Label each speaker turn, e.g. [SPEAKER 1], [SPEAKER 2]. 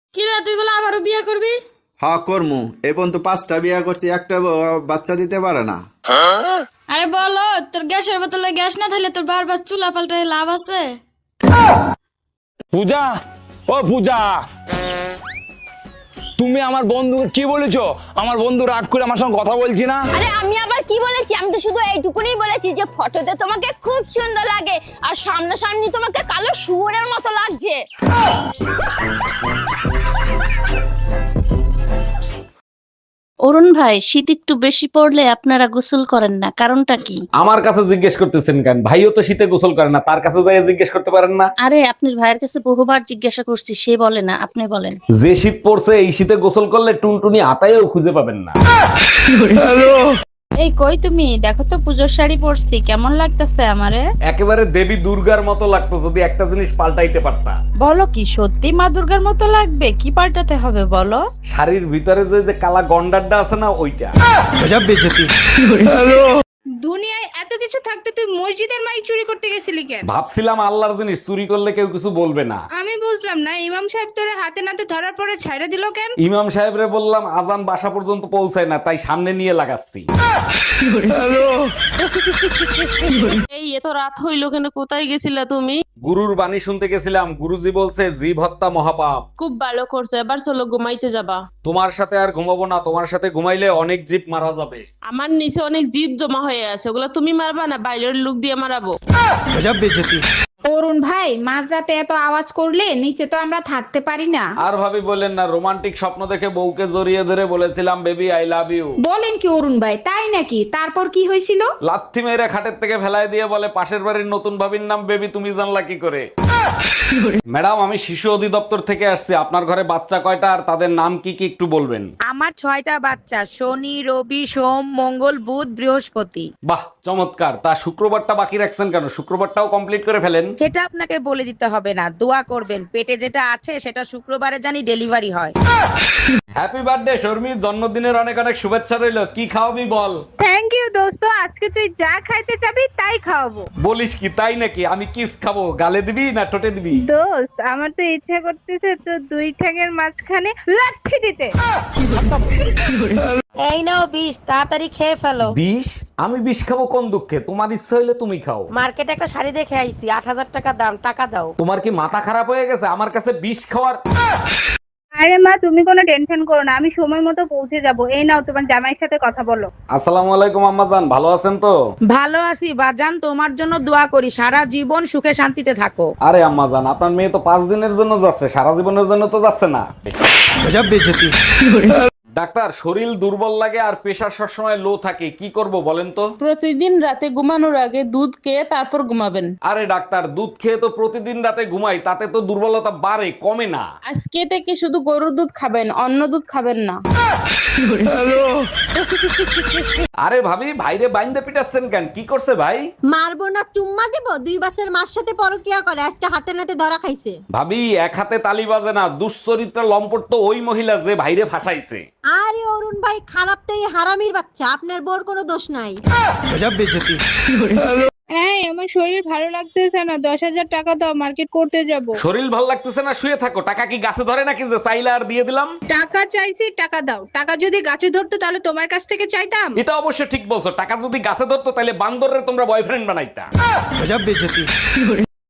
[SPEAKER 1] কি রে, তুই বলে আবারও বিয়ে করবি?
[SPEAKER 2] হ্যাঁ করমু। এই পর্যন্ত 5টা বিয়া করছি, একটা বাচ্চা দিতে পারে না।
[SPEAKER 1] আরে বলো, তোর গ্যাসের বোতলে গ্যাস না থাকলে তোর বারবার চুলা পাল্টায় লাভ আছে?
[SPEAKER 3] পূজা, ও পূজা, তুমি আমার বন্ধুকে কি বলেছো? আমার বন্ধু রাগ করে আমার সঙ্গে কথা বলছি না।
[SPEAKER 4] আরে আমি আবার কি বলেছি? আমি তো শুধু এইটুকুনি বলেছি যে ফটোতে তোমাকে খুব সুন্দর লাগে আর সামনাসামনি তোমাকে কালো শুয়োরের মতো লাগছে।
[SPEAKER 5] অরুণ ভাই, শীত একটু বেশি পড়লে আপনারা গোসল করেন না, কারণটা কি?
[SPEAKER 3] আমার কাছে জিজ্ঞেস করতেছেন কেন? ভাইও তো শীতে গোসল করে না, তার কাছে যাই জিজ্ঞেস করতে পারেন না?
[SPEAKER 5] আরে আপনার ভাইয়ের কাছে বহুবার জিজ্ঞাসা করছি, সে বলে না, আপনি বলেন।
[SPEAKER 3] যে শীত পড়ছে এই শীতে গোসল করলে টুনটুনি আতায়ও খুঁজে পাবেন না।
[SPEAKER 6] এই কই তুমি? দেখো তো পুজোর শাড়ি পরছি, কেমন লাগতেছে আমারে?
[SPEAKER 3] একেবারে দেবী দুর্গার মতো লাগতো যদি একটা জিনিস পাল্টাইতে পারতা।
[SPEAKER 6] বলো কি সত্যি মা দুর্গার মতো লাগবে? কি পাল্টাতে হবে বলো?
[SPEAKER 3] শাড়ির ভিতরে যে কালা গন্ডারটা আছে না, ওইটা।
[SPEAKER 7] দুনিয়ায় এত কিছু থাকতে তুই মসজিদের মাইক চুরি করতে গেছিলি কেন?
[SPEAKER 3] ভাবছিলাম আল্লাহর জিনিস চুরি করলে কেউ কিছু বলবে না।
[SPEAKER 7] আমি বুঝলাম না, ইমাম সাহেব তোরে হাতে নাতে ধরার পরে ছাইড়া দিল কেন?
[SPEAKER 3] ইমাম সাহেবরে বললাম আজান বাসা পর্যন্ত পৌঁছায় না, তাই সামনে নিয়ে লাগাচ্ছি।
[SPEAKER 8] এই এত রাত হইলো কেন? কোথায় গেছিলা তুমি?
[SPEAKER 3] গুরুর বাণী শুনতে গেছিলাম। গুরুজি বলছে জীব হত্যা মহাপাপ।
[SPEAKER 8] খুব ভালো করছো, এবার চলো ঘুমাইতে যাবা।
[SPEAKER 3] তোমার সাথে আর ঘুমাবো না, তোমার সাথে ঘুমাইলে অনেক জীব মারা যাবে।
[SPEAKER 8] আমার নিচে অনেক জিদ জমা হয়ে আছে, ওগুলো তুমি মারবা না বাইরের লোক দিয়ে মারাবো।
[SPEAKER 7] অরুণ ভাই, মাঝরাতে এত আওয়াজ করলে নিচে তো আমরা থাকতে পারি না।
[SPEAKER 3] আর ভাবি বলেন না, রোমান্টিক স্বপ্ন দেখে বউকে জড়িয়ে ধরে বলেছিলাম বেবি আই লাভ ইউ।
[SPEAKER 7] বলেন কি অরুণ ভাই, তাই নাকি? তারপর কি হয়েছিল?
[SPEAKER 3] লাথি মেরে খাটের থেকে ফেলায় দিয়ে বলে পাশের বাড়ির নতুন ভাবির নাম বেবি, তুমি জানলা কি করে? ম্যাডাম, আমি শিশু অধিদপ্তর থেকে আসছি। আপনার ঘরে বাচ্চা কয়টা আর তাদের নাম কি কি একটু বলবেন?
[SPEAKER 9] আমার 6টা বাচ্চা, শনি, রবি, সোম, মঙ্গল, বুধ, বৃহস্পতি।
[SPEAKER 3] বাহ, চমৎকার। তা শুক্রবারটা বাকি রাখছেন কেন? শুক্রবারটাও কমপ্লিট করে ফেলেন।
[SPEAKER 9] সেটা আপনাকে বলে দিতে হবে না, দোয়া করবেন পেটে যেটা আছে সেটা শুক্রবারে জানি ডেলিভারি হয়।
[SPEAKER 3] হ্যাপি বার্থডে শর্মি, জন্মদিনের অনেক অনেক শুভেচ্ছা রইলো। কি খাওয়াবি বল?
[SPEAKER 7] থ্যাংক ইউ দোস্ত, আজকে তুই যা খাইতে চাবি তাই খাওয়াবো।
[SPEAKER 3] বলিস কি, তাই নাকি? আমি কিস খাবো, গালে দিবি না ঠোঁটে দিবি?
[SPEAKER 7] দোস্ত, আমার তো ইচ্ছা করতেছে তো দুই ঠ্যাঙের মাঝখানে লাঠি দিতে।
[SPEAKER 9] এই নাও বিষ, তাড়াতাড়ি খেয়ে ফেলো।
[SPEAKER 3] বিষ? আমি বিষ খাবো কোন দুঃখে? তোমার ইচ্ছা হইলে তুমি খাও।
[SPEAKER 9] মার্কেটে একটা শাড়ি দেখে আইছি, 8,000 টাকা দাম, টাকা দাও।
[SPEAKER 3] তোমার কি মাথা খারাপ হয়ে গেছে আমার কাছে বিষ খাওয়ার?
[SPEAKER 7] আরে মা, তুমি কোনো টেনশন করো না, আমি সময় মতো পৌঁছে যাব। এই নাও, তোমার জামাইয়ের সাথে কথা বলো।
[SPEAKER 3] আসসালামু আলাইকুম আম্মাজান, ভালো আছেন তো?
[SPEAKER 9] ভালো আছি বাজান, তোমার জন্য দোয়া করি সারা জীবন সুখে শান্তিতে থাকো।
[SPEAKER 3] আরে আম্মাজান, আপনার মেয়ে তো 5 দিনের জন্য যাচ্ছে, সারা জীবনের জন্য তো যাচ্ছে না। ডাক্তার, শরীর দুর্বল লাগে আর প্রেশার সবসময় লো থাকে, কি করব বলেন তো?
[SPEAKER 8] প্রতিদিন রাতে ঘুমানোর আগে দুধ খেয়ে তারপর ঘুমাবেন।
[SPEAKER 3] আরে ডাক্তার, দুধ খেয়ে তো প্রতিদিন রাতে ঘুমাই, তাতে তো দুর্বলতা বাড়ে কমে না।
[SPEAKER 8] আজকে থেকে শুধু গরুর দুধ খাবেন, অন্য দুধ খাবেন না।
[SPEAKER 3] আরে ভাবি, ভাইরে বাইন্দে পিটাচ্ছেন কেন? কি করছে ভাই?
[SPEAKER 4] মারবো না, চুম্মা দেব? 2 বাচ্চার মার সাথে পরকিয়া করে, আজকে হাতে নাতে ধরা খাইছে।
[SPEAKER 3] ভাবি, এক হাতে তালি বাজে না। দুশ্চরিত্রা লম্পট তো ওই মহিলা যে ভাইরে ফাঁসাইছে।
[SPEAKER 4] আরে অরুণ ভাই, খারাপ তো এই হারামির বাচ্চা, আপনার বোর কোনো দোষ নাই।
[SPEAKER 7] এই, আমার শরীর ভালো লাগতেছে না, 10,000 টাকা দাও, মার্কেট করতে যাব।
[SPEAKER 3] শরীর ভাল লাগতেছে না, শুয়ে থাকো। টাকা কি গাছে ধরে নাকি যে চাইলে আর দিয়ে দিলাম?
[SPEAKER 7] টাকা চাইছি, টাকা দাও। টাকা যদি গাছে ধরতো তাহলে তোমার কাছ থেকে চাইতাম?
[SPEAKER 3] এটা অবশ্য ঠিক বলছো। টাকা যদি গাছে ধরতো তাহলে বান্দরের তোমরা বয়ফ্রেন্ড বানাইতা।